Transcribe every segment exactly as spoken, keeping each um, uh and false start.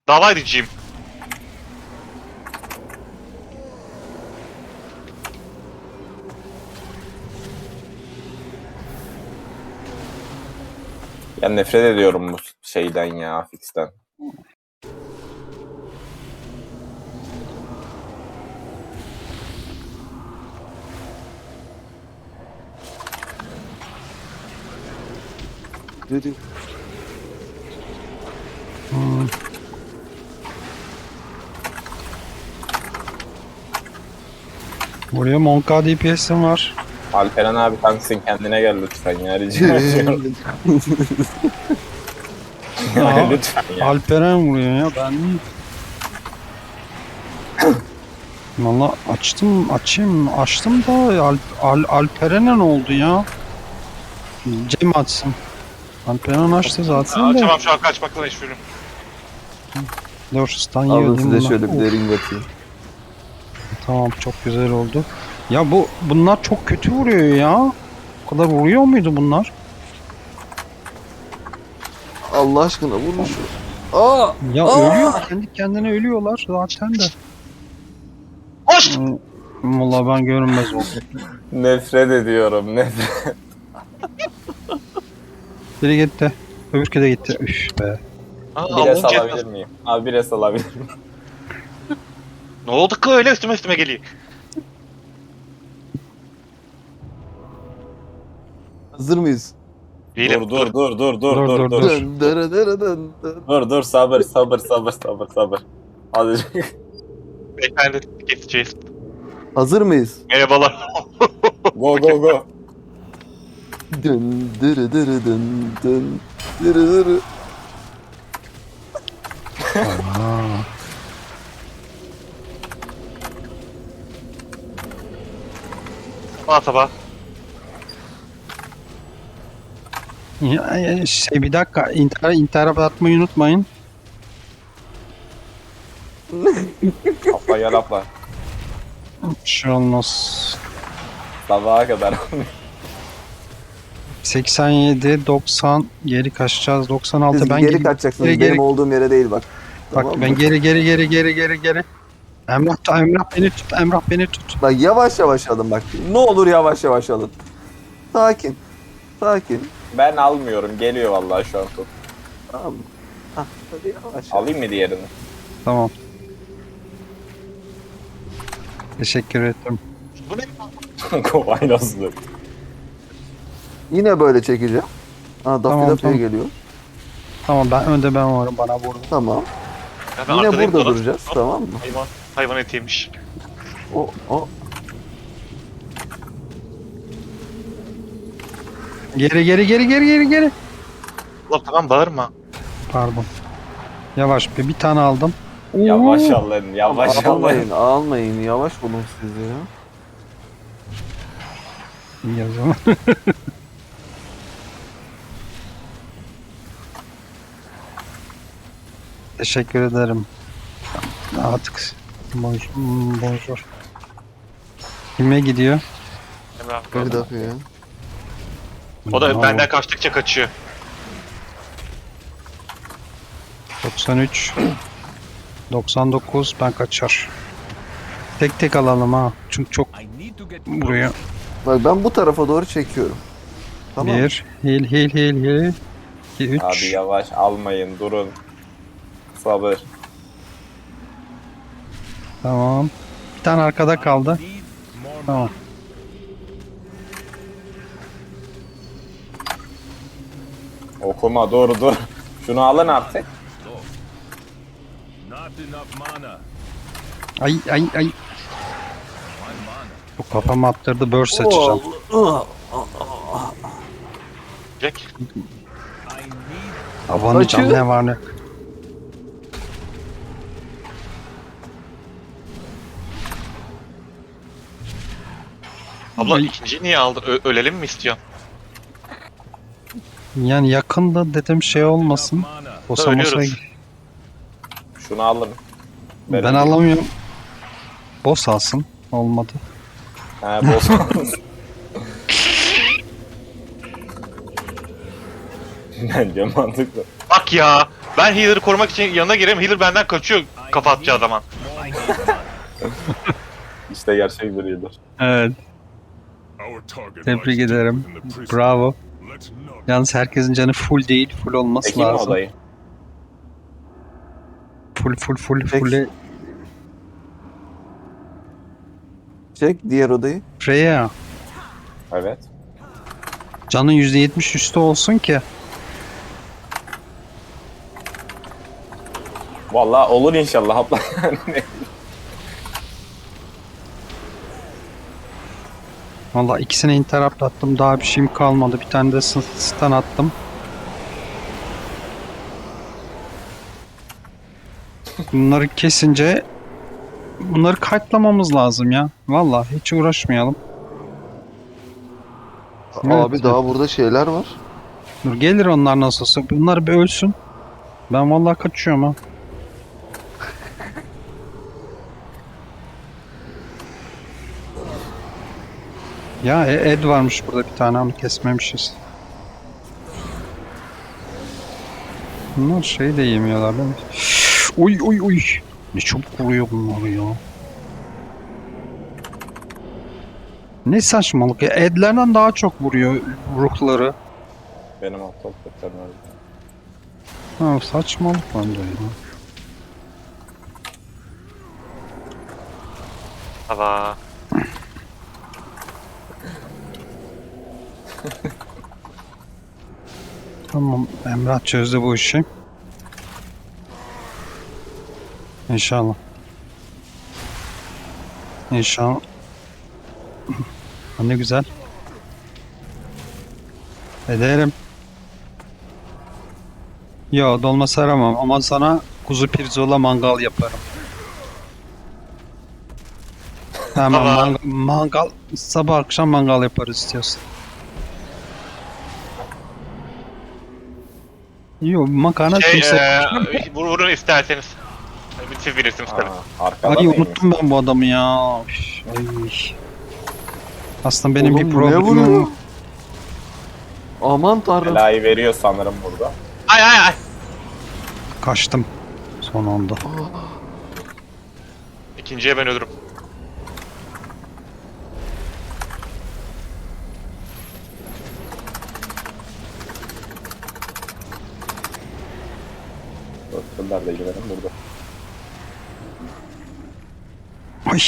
Dava edeceğim. Ya nefret ediyorum bu şeyden ya, fixten. Dedi. Hmm. Buraya Monka D P S'im var. Alperen abi tanksin, kendine gel lütfen ya, rica ediyorum. Aa, Ya lütfen ya. Alperen vuruyor ya, ben niye? Valla açtım, açayım, açtım da Al, Al, Alperen'e ne oldu ya? Cem açsın. Alperen açtı zaten de. Açamam şu an, kaçmakla meşgulüm. Dur, stun yiyor Alın değil mi size bunlar? şöyle bir Of, de ring atayım. tamam, çok güzel oldu. Ya bu bunlar çok kötü vuruyor ya. O kadar vuruyor muydu bunlar? Allah aşkına vurun şu. Aa! Ya Aa! ölüyor, kendi kendine ölüyorlar zaten de. Hoş! Hmm, Valla ben görünmez oldum. Nefret ediyorum, nefret. Biri gitti. Öbürkü de gitti. Üf be. Aa, Bir Allah'ım es alabilir cezası. miyim? Abi bir es alabilir miyim? Ne oldu ki öyle üstüme üstüme geliyor. Hazır mıyız? Değilim. Dur dur dur dur dur Dur, dur dur, dur. dur. Dön, dön, dön, dön, dön. Dur dur sabır sabır sabır sabır sabır. Azıcık. Beyefendi keseceğiz. Hazır mıyız? Merhabalar. Go go go. Dön, dırı dırı dön, dön, dırı dırı. Aa. Sabah sabah. Ya, ya, şey bir dakika, intihar, intihara atmayı unutmayın. Atla gel atla. Bir şey olmaz. Sabaha kadar. seksen yedi, doksan, geri kaçacağız. doksan altı, Siz ben geri geri, kaçacaksınız. geri, Benim geri, olduğum yere değil bak. bak Tamam ben mı? geri geri geri geri geri geri. Emrah, Emrah beni tut, Emrah beni tut. Bak yavaş yavaş alın bak. Ne olur yavaş yavaş alın. Sakin. Sakin. Ben almıyorum, geliyor vallahi şu an top. Tamam mı? Hah, hadi yavaş. Alayım mı diğerini? Tamam. Teşekkür ederim. Bu ne? Kovaylazlık. Yine böyle çekeceğim. Aa, Tamam, Daffy Daffy'ye tamam. geliyor. Tamam, ben önde ben varım, bana vurdu. Tamam. Ya ben Yine arkadayım, burada dolan- duracağız. Hop, Tamam mı? Hayvan, hayvan etiymiş. O, o. Geri geri geri geri geri geri. Ulan tamam, bağırma. Pardon. Yavaş bir, bir tane aldım. Yavaş Oo. alın, yavaş alın. Almayın, almayın. Yavaş olun siz ya. İyi o zaman. Teşekkür ederim. Artık bonjour. bonjour. Kime gidiyor? Emrah. Daffy Daffy'ye. O da Bravo. benden kaçtıkça kaçıyor. doksan üç. doksan dokuz, ben kaçar. Tek tek alalım ha. Çünkü çok buraya. Bak ben bu tarafa doğru çekiyorum. Tamam. mı? Bir. Hil hil hil hil. iki, Abi üç. yavaş almayın, durun. Sabır. Tamam. Bir tane arkada kaldı. Tamam. Okuma, dur dur. Şunu alın artık. Ay ay ay. Bu kafamı attırdı, burst seçeceğim. Oh, Jack. Havanın Açıyor. içinde ne var ne? Abla Ay. ikinciyi niye aldın? Ö- ölelim mi istiyorsun? Yani yakında dedim, şey olmasın. Bosa mosa. Ölüyoruz. Şunu alın. Ben Verin. alamıyorum. Boss alsın. Olmadı. He boz. Bence mantıklı. Bak ya. Ben healer'ı korumak için yanına gireyim. Healer benden kaçıyor kafa atacağı zaman. İşte gerçek bir healer. Evet. Tebrik ederim. Bravo. Yalnız herkesin canı full değil. Full olması Peki mi lazım. odayı? Full full full Peki. full. Çek diğer odayı. Freya. Evet. Canın yüzde yetmiş üstü olsun ki. Vallahi olur inşallah abla. Valla ikisine interrupt attım. Daha bir şeyim kalmadı. Bir tane de stun stun attım. Bunları kesince bunları kayıtlamamız lazım ya. Valla hiç uğraşmayalım. Abi Evet. daha burada şeyler var. Dur gelir onlar nasılsa. Bunlar bir ölsün. Ben vallahi kaçıyorum ha. Ya e- Ed varmış burada bir tane ama kesmemişiz. Bunlar şey de yemiyorlar değil mi? Uy uy uy. Ne çabuk vuruyor bunlar ya. Ne saçmalık ya. Edlerden daha çok vuruyor ruhları. Benim aptal kötülerim öyle. Ha, saçmalık bence ya. Hava. Tamam, Emrah çözdü bu işi. İnşallah. İnşallah. Ha, ne güzel. Ederim. Yo, dolma saramam ama sana kuzu pirzola mangal yaparım. Tamam, Ama- mangal, mangal sabah akşam mangal yaparız istiyorsan. Yo, makarna Şey, kimse... eee vur, vurun isterseniz. Siz bilirsiniz tabii. Aa, arkada Ay mıymış? unuttum ben bu adamı ya. Üf, ay. Aslında benim Oğlum, bir bu ne vuruyor? problemim. Aman tanrım. Belayı veriyor sanırım burada. Ay ay ay. Kaçtım son anda. İkinciye ben ölürüm. Dörtler de girelim burada. Ay.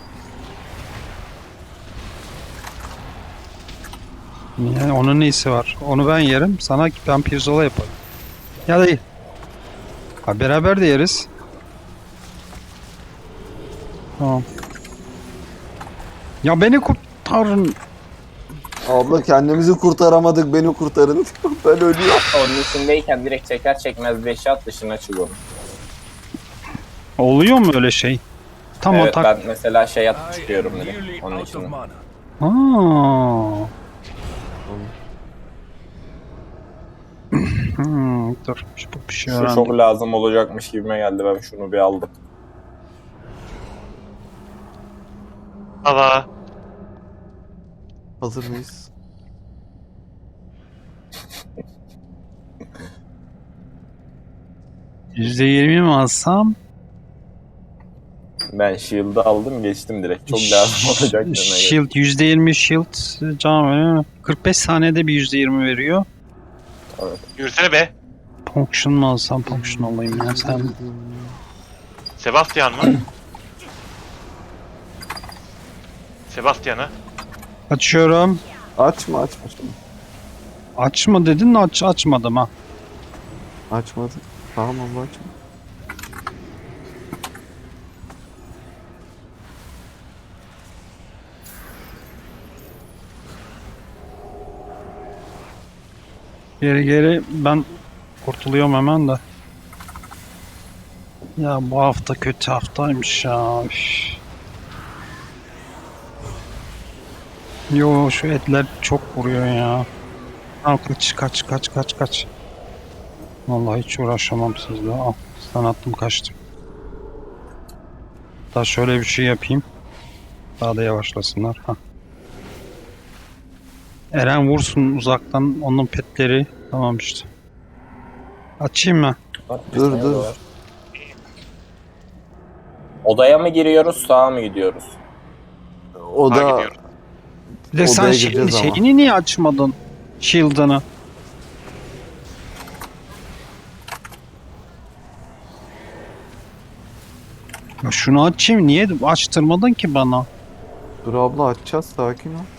Yani onun neyisi var? Onu ben yerim. Sana ben pirzola yaparım. Ya değil. Ha, beraber de yeriz. Tamam. Ya beni kurtarın. Abla kendimizi kurtaramadık, beni kurtarın. Ben ölüyorum. Onun içindeyken direkt çeker çekmez beş at dışına çıkıyorum. Oluyor mu öyle şey? Tam Evet, o tak. ben mesela şey atıp çıkıyorum direkt onun içine. Aa. Hmm, dur. Şu bir şey Şu öğrendim. çok lazım olacakmış gibime geldi, ben şunu bir aldım. Hava. Hazır mıyız? yüzde yirmi mi alsam? Ben shield'ı aldım geçtim direkt, çok lazım olacak demeye. Shield yüzde yirmi shield can veriyor. kırk beş saniyede bir yüzde yirmi veriyor. Yürüsene be. Ponction mu alsam ponction alayım ya sen. Sebastian mı? Sebastian'ı. Açıyorum. Açma açma. Açma. Açma dedin aç açmadım ha. Açmadı. Tamam abla açma. Geri geri ben kurtuluyorum hemen de. Ya bu hafta kötü haftaymış ya. Üf. Yo şu etler çok vuruyor ya. Al kaç kaç kaç kaç kaç. Vallahi hiç uğraşamam sizle. Al sana attım kaçtım. Daha şöyle bir şey yapayım. Daha da yavaşlasınlar. Hah. Eren vursun uzaktan onun petleri. Tamam işte. Açayım mı? Bak, bir Dur, tane dur. oda var. Odaya mı giriyoruz, sağa mı gidiyoruz? O Ha, da gidiyoruz. Bir de sen Odaya şey, gireceğiz ama. şeyini niye açmadın? Shield'ını. Ya şunu açayım, niye açtırmadın ki bana? dur abla, açacağız, sakin ol.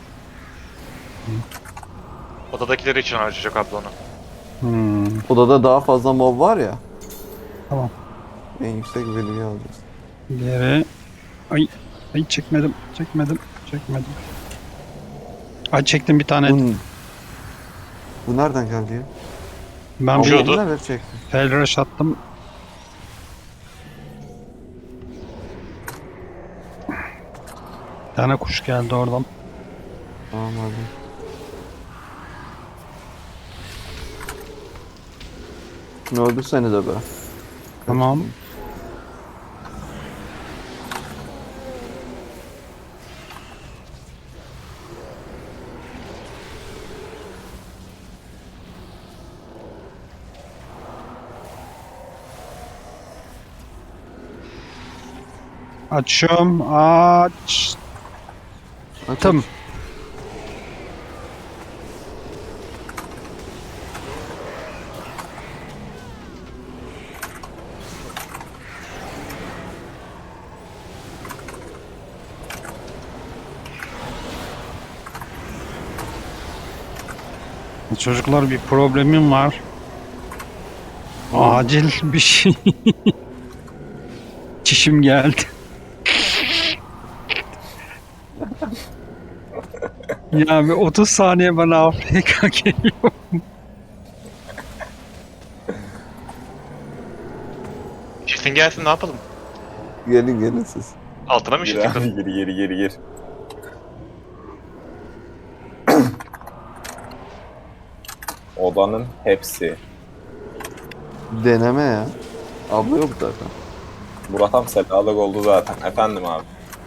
Odadakileri için harcayacak abla onu. Hmm, Odada daha fazla mob var ya. tamam. En yüksek value alacağız. Diğeri... Ay, ay çekmedim, çekmedim, çekmedim. Ay çektim bir tane. Bu, bu nereden geldi ya? Ben Abla bir Uçuyordu. nereden çektin? fel rush attım. Bir tane kuş geldi oradan. Tamam hadi. Şunu öldürsenize be. Tamam. Açıyorum. Açtım. Aç, aç. Çocuklar bir problemim var. Acil bir şey. Çişim geldi. Ya bir otuz saniye bana A F K geliyor. Kesin gelsin, ne yapalım? Gelin gelin siz. Altına mı Gir işittik? abi, gir gir gir gir. Odanın hepsi. Deneme ya. Abla yok zaten. Murat tam selalık oldu zaten. Efendim abi.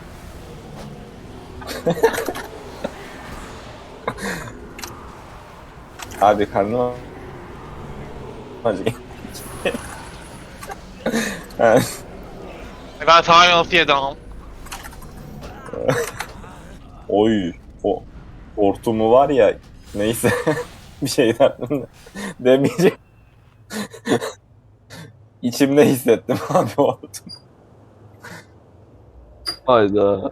Abi karnım acı. Evet. Ben sana nasıl yedim? Oy. O hortumu var ya. Neyse. Bir şey derdim. Demeyecek. İçimde hissettim abi o hortumu. Hayda.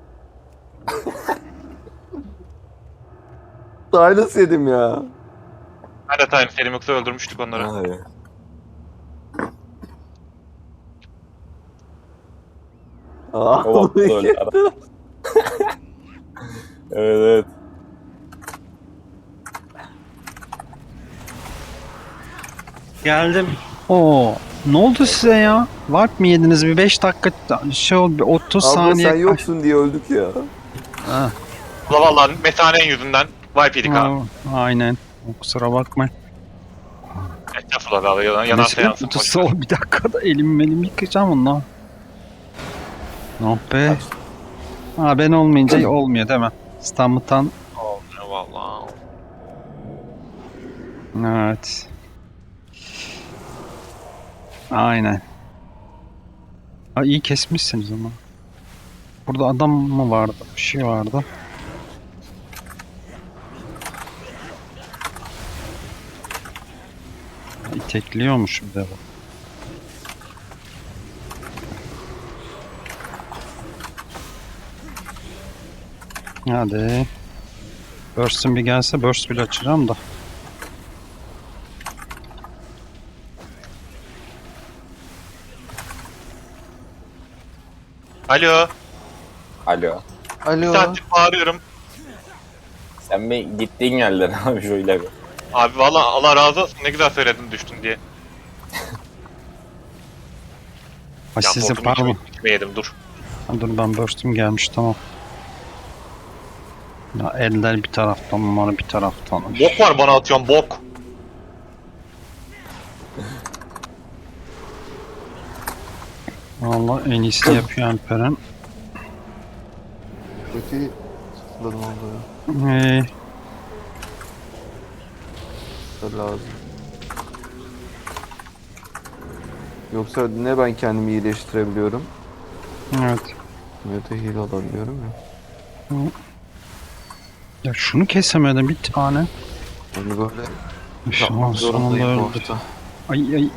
Silas yedim ya. Ben de time Selim yoksa öldürmüştük onları. Abi. Aa, O vakti bunu öyle ara. Evet evet. Geldim. Oo, ne oldu size ya? Warp mı yediniz? Bir beş dakika şey oldu, bir otuz Abla saniye. sen yoksun diye öldük ya. Ha, Valla valla mesanenin yüzünden wipe yedik abi. ha, aynen. Kusura bakmayın. Estağfurullah abi, yanan, yanarsa yansın. boş ver. Sol bir dakikada elim benim yıkayacağım onunla. Oh be. Ha ben olmayınca olmuyor değil mi? İstanbul'dan. Olmuyor valla. Evet. Aynen. Ha iyi kesmişsiniz ama. Burada adam mı vardı? Bir şey vardı. İtekliyormuş bir de bu. Hadi. Burst'ın bir gelse burst bile açacağım da. Alo. Alo. Bir Alo. saattir bağırıyorum. Sen bir gittiğin yerden abi şöyle bir. Abi valla Allah razı olsun, ne güzel söyledin düştün diye. Ha Ya size hortumu pardon. içime, içime yedim dur. Ha, dur ben burst'üm gelmiş tamam. Ya eller bir taraftan, numara bir taraftan. Bok var bana atıyorsun bok. Vallahi en iyisini yapıyor Alperen. Kötü sıfırladım abla ya. Ee, Da lazım. Yoksa ne ben kendimi iyileştirebiliyorum Evet. ne de heal alabiliyorum ya. Ya şunu kesemedim bir tane. Yani böyle Üf, yapmak aman zorundayım sonunda bu öldü. hafta. Ay ay.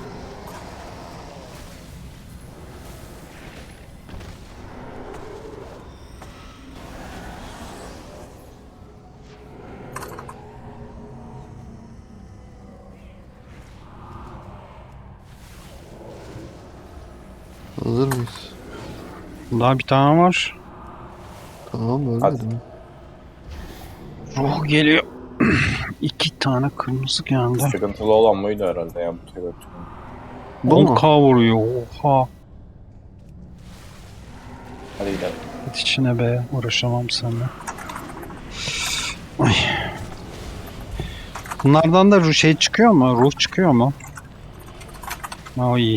Hazır mıyız? Daha bir tane var. Tamam Hadi. ölmedim. Ruh geliyor. İki tane kırmızı geldi. Sıkıntılı olan buydu herhalde ya bu tür. Bu mu? on K vuruyor. Oha. Hadi gidelim. Git içine be. Uğraşamam seninle. Ay. Bunlardan da ruh şey çıkıyor mu? Ruh çıkıyor mu? O iyi.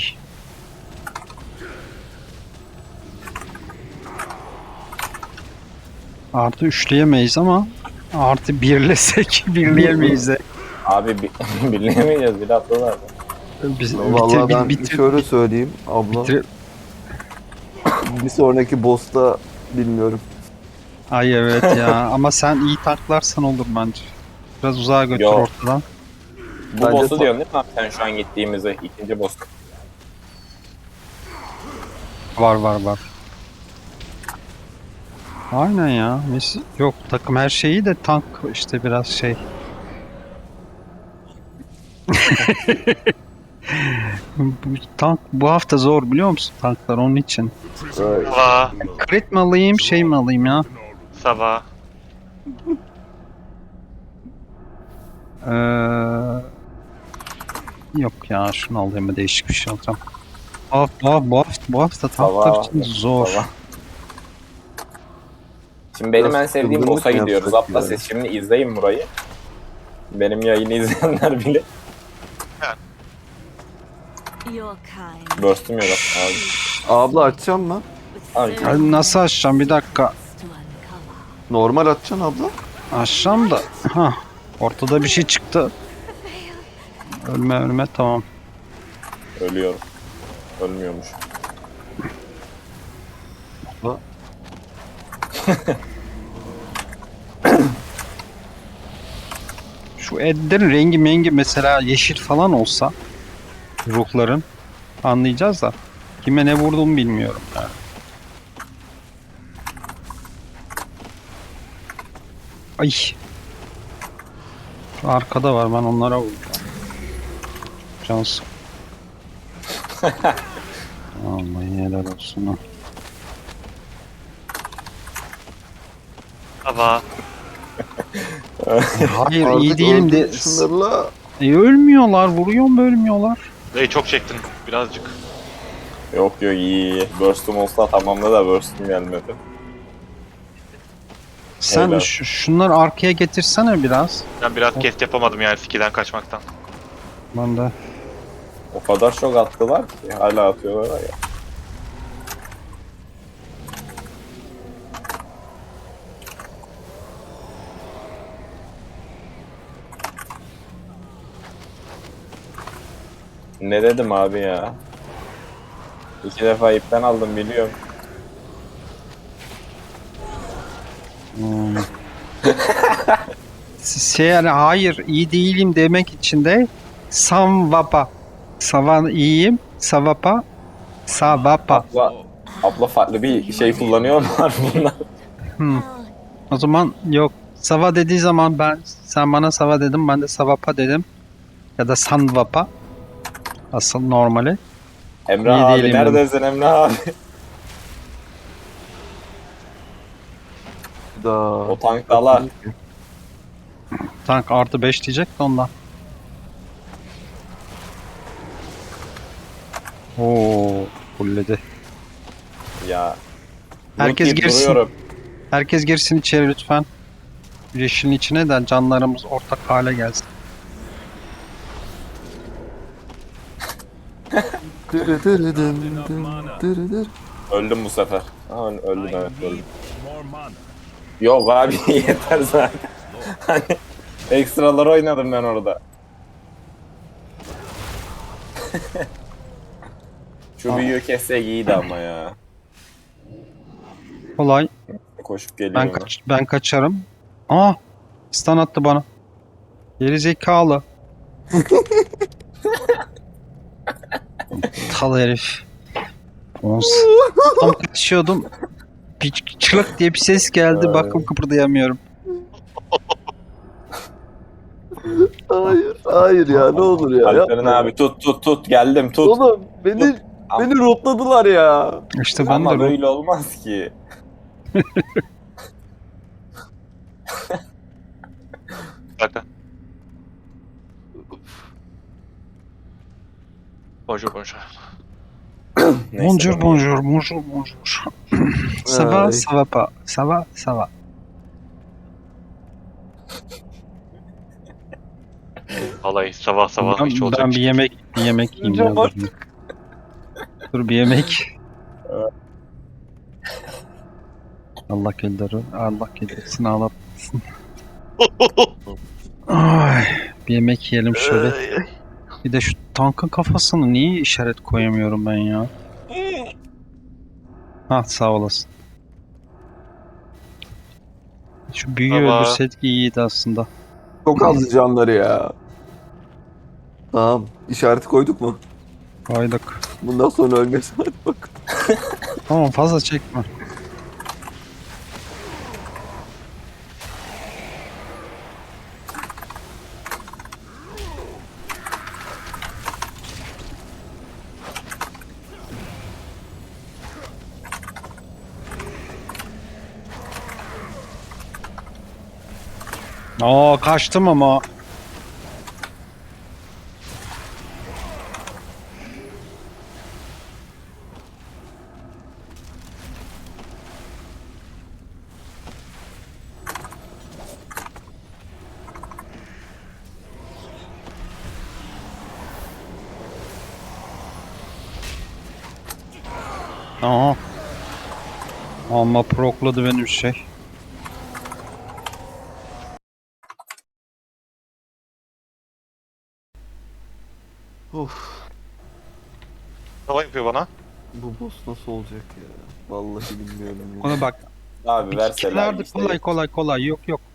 Artı üçleyemeyiz ama artı birlesek birleyemeyiz de. Abi bi birleyemeyeceğiz bir hafta zaten. Biz, Vallahi bitir, ben bitir, şöyle söyleyeyim abla. bitir. Bir sonraki boss'ta bilmiyorum. Ay evet ya ama sen iyi taklarsan olur bence. Biraz uzağa götür Yok. ortadan. Bu Bence boss'u ta- diyorsun değil mi abi sen şu an gittiğimizde ikinci boss. Var var var. Aynen ya. Mes yok takım her şeyi de tank işte biraz şey. Bu tank bu hafta zor biliyor musun tanklar onun için. Böyle Sabah. Crit mi alayım şey mi alayım ya? Sabah. Ee, yok ya şunu alayım değişik bir şey alacağım. Bu hafta, bu hafta, bu hafta, bu hafta tanklar Sabah, için zor. sabah. Şimdi benim Biraz en sevdiğim kızgınlık boss'a mı gidiyoruz. yapsak Abla yani? siz şimdi izleyin burayı. Benim yayını izleyenler bile Your kind. burst'üm yok abi. abla açacağım mı? Abi, Ay, nasıl açacağım bir dakika. To uncover. Normal açacaksın abla. Açacağım da. Ha, ortada bir şey çıktı. Ölme ölme tamam. Ölüyorum. Ölmüyormuş. Abla. Şu edlerin rengi mengi mesela yeşil falan olsa ruhların anlayacağız da kime ne vurduğumu bilmiyorum yani. Ay. Şu arkada var ben onlara vuracağım. Cansın. Vallahi helal olsun. ha. Sabah. Hayır iyi Artık değilim de öldür şunlarla. E, ölmüyorlar vuruyor mu ölmüyorlar. Dayı çok çektin birazcık. Yok yok iyi iyi. Burst'üm olsa tamamda da burst'üm gelmedi. Sen Helal. şu, şunları arkaya getirsene biraz. Ben biraz kest yapamadım yani skill'den kaçmaktan. Ben de. O kadar çok attılar ki hala atıyorlar ya. Ne dedim abi ya? İki defa ipten aldım biliyorum. Hmm. şey yani hayır iyi değilim demek için de samvapa. Savan iyiyim. Savapa. Savapa. Abla, abla farklı bir şey kullanıyor mu var bunlar? Hmm. O zaman yok. Sava dediği zaman ben sen bana sava dedim ben de savapa dedim. Ya da sanvapa. Asıl normali. Emrah İyi abi değilim neredesin Emrah abi? Da. O tank dalar. Tank artı beş diyecek de ondan. Oo, fulledi. Ya. Herkes Loot deyip girsin. duruyorum. Herkes girsin içeri lütfen. Yeşilin içine de canlarımız ortak hale gelsin. Dırı dırı dım dım dırı dırı. Öldüm bu sefer. Ha, öl- öldüm evet öldüm. Yok abi yeter zaten. Hani ekstralar oynadım ben orada. Şu büyüğü kessek iyiydi ama ya. Kolay. Koşup geliyor Ben ona. kaç ben kaçarım. Aa! Stun attı bana. Geri zekalı. Tal herif. Ons. Tam kaçıyordum. Bir çılık diye bir ses geldi. Ay. Bakım kıpırdayamıyorum. Hayır, hayır ya ne olur ya. Alperen yapma. abi tut tut tut geldim tut. Oğlum beni beni rotladılar ya. İşte ben Ama de böyle olmaz ki. Bakın. Bonjour bonjour. Neyse, bonjour, ben- bonjour, bonjour, bonjour. Ça va, Ay. ça va pas. Ça va, ça va. Vallahi sabah sabah Ben, hiç ben olacak. bir yemek, bir yemek yiyeyim. Hocam ya, bak. dur. Dur bir yemek. Allah kelleri, Allah kellerisini ağlatmasın. Ay, bir yemek yiyelim şöyle. Bir de şu tankın kafasını niye işaret koyamıyorum ben ya? Ha sağ olasın. Şu büyüyü Baba. öldürseydik iyiydi aslında. Çok az canları ya. Tamam. İşareti koyduk mu? Koyduk. Bundan sonra ölmesin hadi bak. Tamam fazla çekme. Aa kaçtım ama. Aha. Ama prokladı benim şey. Of. Hava yapıyor bana. Bu boss nasıl olacak ya? Vallahi bilmiyorum ya. Ona bak. Abi verseler Kenarda işte. kolay kolay kolay yok yok.